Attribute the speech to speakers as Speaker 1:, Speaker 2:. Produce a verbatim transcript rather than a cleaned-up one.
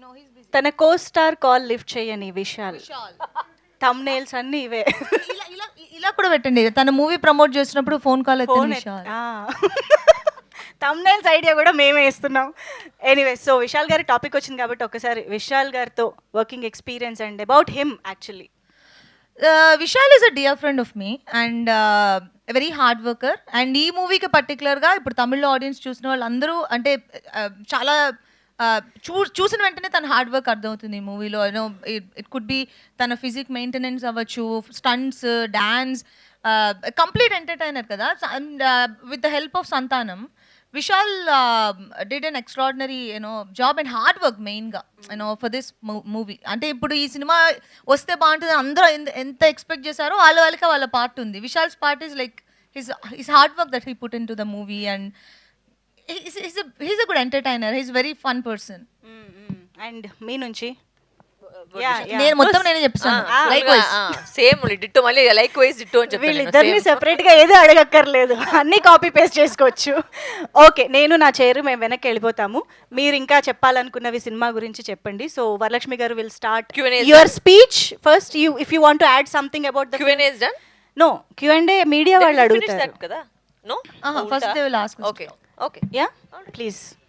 Speaker 1: తన co star call lift చేయని Vishal. Thumbnails అన్ని ఇవే.
Speaker 2: ఇలా ఇలా ఇలా కూడా పెట్టండి, తన మూవీ ప్రమోట్ చేసినప్పుడు ఫోన్ కాల్ ఎత్తిన విశాల్.
Speaker 1: థంబ్నెయిల్స్ ఐడియా కూడా మేమే ఇస్తున్నాం. ఎనీవే, సో విశాల్ గారి టాపిక్ వచ్చింది కాబట్టి ఒకసారి విశాల్ గారితో working experience and about him actually.
Speaker 2: Vishal is a dear friend of me and very hard worker. And ఈ మూవీకి పర్టికులర్గా ఇప్పుడు తమిళ్లో ఆడియన్స్ చూసిన వాళ్ళందరూ అంటే uh, చాలా uh, చూ చూసిన వెంటనే తన హార్డ్ వర్క్ అర్థమవుతుంది ఈ మూవీలో. యూనో ఇట్ కుడ్ బి తన ఫిజిక్ మెయింటెనెన్స్ అవ్వచ్చు, స్టంట్స్, డాన్స్, కంప్లీట్ ఎంటర్టైనర్ కదా. And with the help of Santhanam, Vishal uh, did an extraordinary, you know, job and hard work main ga, you know, for this mo- movie. Ante ippudu ee cinema vaste baantundi andra enta expect chesaro vaalla vallika vaalla part undi. Vishal's part is like his his hard work that he put into the movie, and he's, he's a he's a good entertainer. He's a very fun person.
Speaker 1: And మీ నుంచి
Speaker 2: నేను మొత్తం నేనే చెప్తాను. Like
Speaker 3: same ditto, మళ్ళీ likewise ditto అని చెప్పి
Speaker 1: వీళ్ళిద్దరిని సెపరేట్ గా ఏదో అడగక్కర్లేదు, అన్ని కాపీ పేస్ట్ చేసుకోవచ్చు. ఓకే, నేను నా చైర్ మేము వెనక్కి వెళ్ళిపోతాము. మీరు ఇంకా చెప్పాలనుకున్నవి సినిమా గురించి చెప్పండి. సో వరలక్ష్మి గారు will start your speech first. You if you want to add something about the
Speaker 3: Q and A is done.
Speaker 1: No, Q and A media వాళ్ళు అడుగుతారు
Speaker 3: కదా. No,
Speaker 2: first they will ask.
Speaker 3: Okay okay,
Speaker 1: yeah please.